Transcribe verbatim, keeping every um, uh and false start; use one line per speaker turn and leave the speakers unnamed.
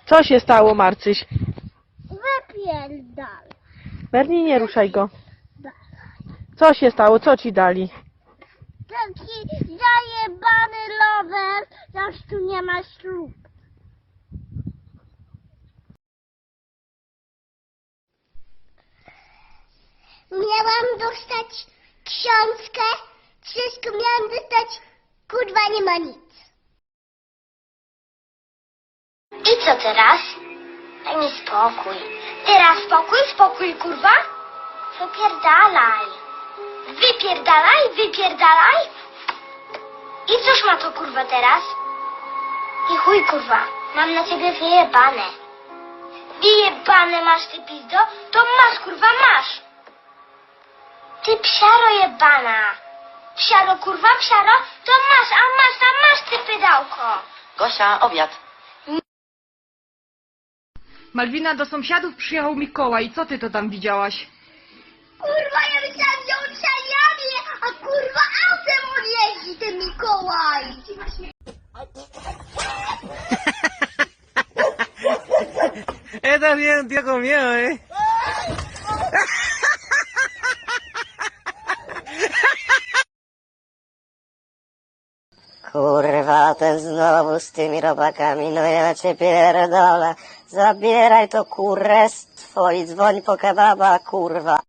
Co się stało, Marcyś?
Wypierdal.
Bernie, nie ruszaj go. Co się stało? Co ci dali?
Taki zajebany rower, aż tu nie ma ślub. Miałam dostać książkę, wszystko miałam dostać, kurwa nie ma nic. I co teraz? Daj mi spokój. Teraz spokój, spokój, kurwa? Wypierdalaj. Wypierdalaj, wypierdalaj. I cóż ma to, kurwa, teraz? I chuj, kurwa, mam na ciebie wyjebane. Wyjebane masz, ty pizdo? To masz, kurwa, masz. Ty psiaro jebana. Psiaro, kurwa, psiaro? To masz, a masz, a masz, ty pydałko.
Gosia, obiad.
Malwina, do sąsiadów przyjechał Mikołaj. Co ty to tam widziałaś?
Kurwa, ja myślałam, że on szaliami, a kurwa autem on jeździ, ten Mikołaj.
Esta bien un tío con miedo, eh.
Kurwa, ten znowu z tymi robakami, no ja cię pierdolę. Zabieraj to kurestwo i dzwoń po kebaba, kurwa.